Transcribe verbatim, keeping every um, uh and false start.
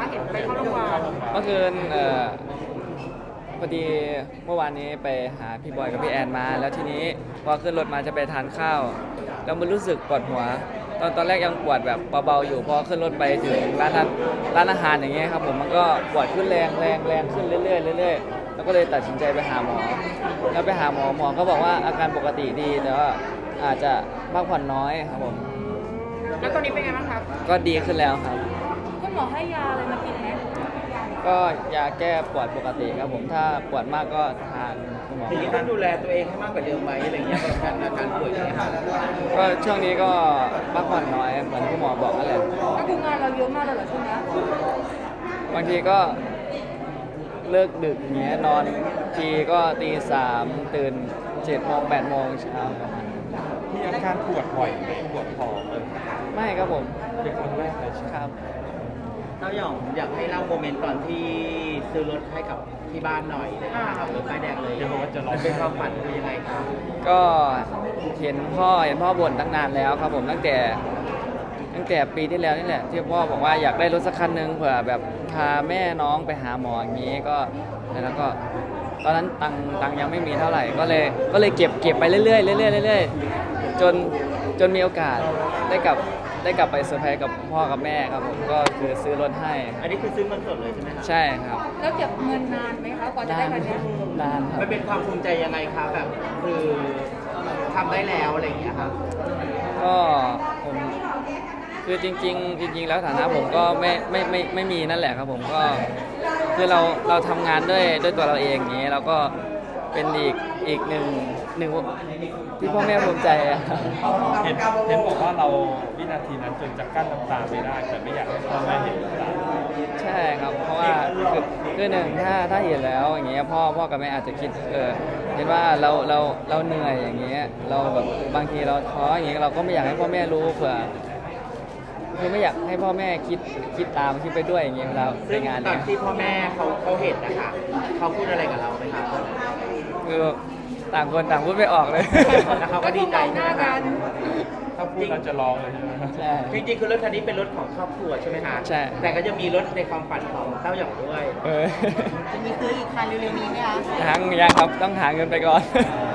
เห็นไปเข้าโรงพยาบาลเมื่อคืนเอ่อพอดีเมื่อวานนี้ไปหาพี่บอยกับพี่แอนมา แล้วทีนี้พอขึ้นรถมาจะไปทานข้าวแล้วมันรู้สึกปวดหัว ตอนตอนแรกยังปวดแบบเบาๆอยู่พอขึ้นรถไปถึงร้านอาร้านอาหารอย่างเงี้ยครับผมมันก็ปวดขึ้นแรงแรงแรงขึ้นเรื่อยๆเรื่อยๆแล้วก็เลยตัดสินใจไปหาหมอแล้วไปหาหมอหมอก็บอกว่าอาการปกติดีแต่ว่าอาจจะพักผ่อนน้อยครับผมแล้วตอนนี้เป็นไงบ้างครับก็ดีขึ้นแล้วครับคุณหมอให้ยาอะไรมากินไหมก็ยาแก้ปวดปกติครับผมถ้าปวดมากก็ทานคุณหมอทีนี้ต้องดูแลตัวเองให้มากกว่าเดิมไหมอะไรเงี้ยกับการอาการป่วยอย่างเงี้ยค่ะก็ช่วงนี้ก็พักผ่อนน้อยเหมือนคุณหมอบอกนั่นแหละก็คืองานเราเยอะมากเลยเหรอช่วงนี้บางทีก็เลิกดึกเงี้ยนอนทีก็ตีสามตื่นเจ็ดโมงแปดโมงเช้าประมาณนั้นมีอาการปวดบ่อยไหมปวดท้องเลยไม่ครับผมเป็นครั้งแรกเลยใช่ไหมครับเต้าหย่องอยากให้เล่าโมเมนต์ตอนที่ซื้อรถให้กับที่บ้านหน่อยนะคะขับรถป้ายแดงเลยเดี๋ยวบอกว่าจะร้องเป็นความฝันคือยังไงครับก็เห็นพ่อเห็นพ่อบ่นตั้งนานแล้วครับผมตั้งแต่ตั้งแต่ปีที่แล้วนี่แหละที่พ่อบอกว่าอยากได้รถสักคันหนึ่งเผื่อแบบพาแม่น้องไปหาหมออย่างนี้ก็แล้วก็ตอนนั้นตังค์ตังค์ยังไม่มีเท่าไหร่ก็เลยก็เลยเก็บเก็บไปเรื่อยๆเรื่อยๆเรื่อยๆจนจนมีโอกาสได้กลับได้กลับไปเซอร์ไพรส์กับพ่อกับแม่ครับผมก็คือซื้อรถให้อันนี้คือซื้อเงินสดเลยใช่ไหมครับใช่ครับแล้วเก็บเงินนานไหมคะกว่าจะนาได้นคันเนี้ยนานครับมันเป็นความภูมิใจยังไงคะแบบคือทำได้แล้วอะไรอย่างเงี้ยครับก็ผมคือจริงๆจริง ๆ แล้วฐานะผมก็ไม่ไม่ไม่ไม่มีนั่นแหละครับผมก็คือเราเราทำงานด้วยด้วยตัวเราเองอย่างนี้เราก็เป็นอีกอีกหนึ่งหนึ่งที่พ่อแม่ภูมิใจอะครับเห็นเห็นบอกว่าเราวินาทีนั้นจนจะกั้นน้ำตาไม่ได้ แต่ไม่อยากให้พ่อแม่เห็นน้ำตาใช่ครับเพราะว่าคือคือหนึ่งถ้าถ้าเห็นแล้วอย่างเงี้ยพ่อพ่อกับแม่อาจจะคิดเออเห็นว่าเราเราเราเหนื่อยอย่างเงี้ยเราแบบบางทีเราท้ออย่างเงี้ยเราก็ไม่อยากให้พ่อแม่รู้เผื่อคือไม่อยากให้พ่อแม่คิดคิดตามคิดไปด้วยอย่างเงี้ยเวลาไปซึ่งงานตอเนี่นยที่พ่อแม่เขาเขาเห็นนะคะเขาพูดอะไรกับเราไหมครับคือต่างคนต่างพูดไม่ออกเลยแล้วเขาก็ดีใจหใช่น้าไหมกัคะนถ้าพูดเราจะร้องเลยใช่ไหมใช่จริงๆคือรถคันนี้เป็นรถของครอบครัวใช่ไหมคะใช่แต่ก็จะมีรถในความฝันของเต้าหย่องด้วยเออจะมีซื้ออีกคันเร็วๆนี้ไหมคะยังยังครับต้องหาเงินไปก่อนเอ